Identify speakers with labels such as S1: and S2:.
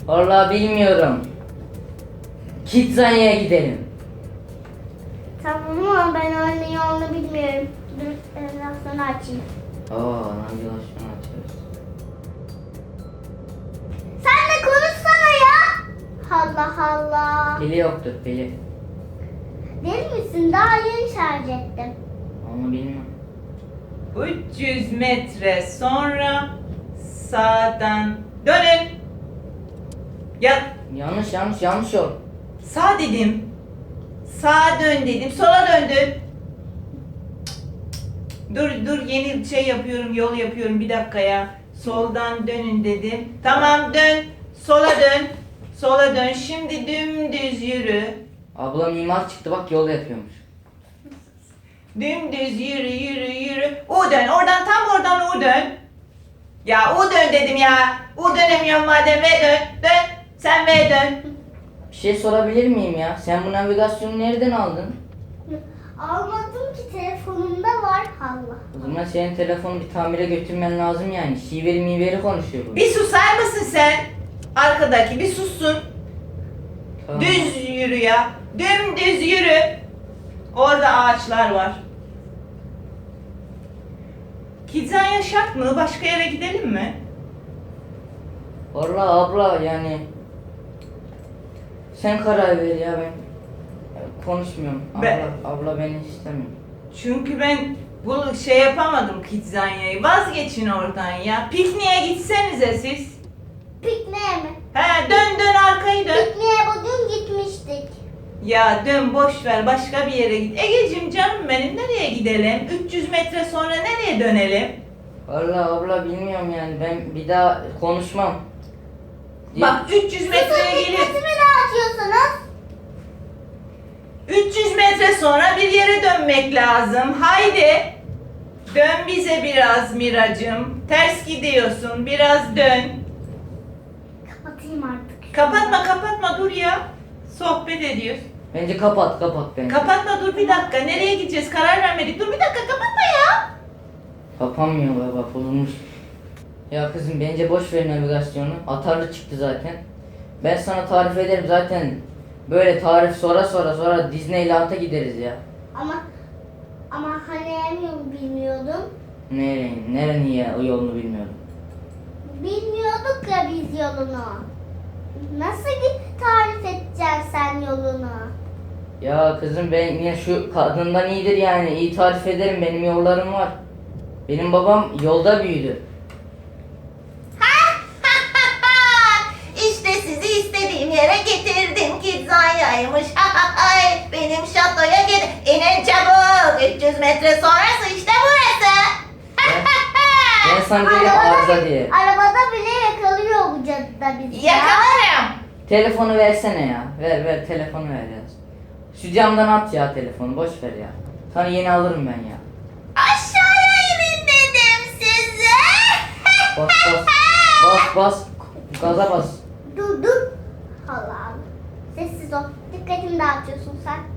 S1: Vallahi bilmiyorum. Kidzanya'ya gidelim.
S2: Tamam ama ben anne yolunu bilmiyorum. Dur navigasyonu açayım.
S1: Navigasyonu açıyoruz.
S2: Sen de konuşsana ya. Allah Allah.
S1: Pili yoktur pili.
S2: Deli misin? Daha yeni şarj ettim.
S1: Onu bilmiyorum.
S3: 300 metre sonra sağdan dönün. Ya
S1: Yanlış yol.
S3: sağ dedim. Sağa dön dedim. Sola döndün. Dur yeni şey yapıyorum, yol yapıyorum, bir dakika ya. Soldan dönün dedim. Tamam dön. Sola dön. Sola dön. Şimdi dümdüz yürü.
S1: Abla mimar çıktı bak yol yapıyormuş.
S3: Dümdüz yürü. U dön. Oradan U dön. Ya U dön dedim ya. U dönemiyorum madem, V dön. Dön. Sen V dön.
S1: Bir şey sorabilir miyim ya? Sen bu navigasyonu nereden aldın?
S2: Almadım ki telefonumda var. Allah.
S1: O zaman senin telefonu bir tamire götürmen lazım yani. Şiveri miveri konuşuyor bu.
S3: Bir susar mısın sen? Arkadaki bir sussun.
S1: Tamam.
S3: Düz yürü ya. Dümdüz yürü. Orada ağaçlar var. Kidzanya şart mı? Başka yere gidelim mi?
S1: Vallahi abla yani sen karar ver ya ben konuşmuyorum. Abla beni istemiyor.
S3: Çünkü ben bu şey yapamadım Kidzanya'yı. Vazgeçin oradan ya. Pikniğe gitsenize siz.
S2: Pikniğe mi?
S3: He dön arkayı dön.
S2: Pikniğe bugün gitmiştik.
S3: Ya dön boş ver, başka bir yere git. Egeciğim canım benim, nereye gidelim? 300 metre sonra nereye dönelim?
S1: Vallahi abla bilmiyorum yani ben bir daha konuşmam.
S3: Bak 300 metreye gelip
S2: Dikkatimi dağıtıyorsunuz.
S3: 300 metre sonra bir yere dönmek lazım. Haydi. Dön bize biraz Miracım. Ters gidiyorsun. Biraz dön.
S2: Kapatayım artık.
S3: Kapatma dur ya. Sohbet ediyoruz.
S1: Bence kapat bence.
S3: Kapatma dur bir dakika. Nereye gideceğiz? Karar vermedik. Dur bir dakika kapatma ya.
S1: Kapanmıyor baba bozulmuş. Ya kızım bence boş ver navigasyonu. Atarlı çıktı zaten. Ben sana tarif ederim zaten. Böyle tarif sonra Disneyland'a gideriz ya.
S2: Ama hani hem yolu bilmiyordum.
S1: Nerenin ya o yolunu bilmiyorum.
S2: Bilmiyorduk ya biz yolunu. Nasıl tarif edeceksin sen yolunu?
S1: Ya kızım ben yine şu kadından iyidir yani. İyi tarif ederim benim yollarım var. Benim babam yolda büyüdü.
S3: İşte sizi istediğim yere getirdim. Kidzanya'ymış. Benim şatoya gidin. İnin çabuk. 300 metre sonrası işte burası.
S1: Ben sana dedim arıza diye.
S2: Arabada bile yakalıyor bu cadıda bizi.
S3: Yakalarım.
S1: Telefonu versene ya. Ver telefonu ver ya. Şu camdan at ya telefonu boş ver ya. Sana yeni alırım ben ya.
S3: Aşağıya inin dedim size.
S1: Bas. Gaza bas.
S2: Dur. Allah Allah. Sessiz ol. Dikkatimi dağıtıyorsun sen.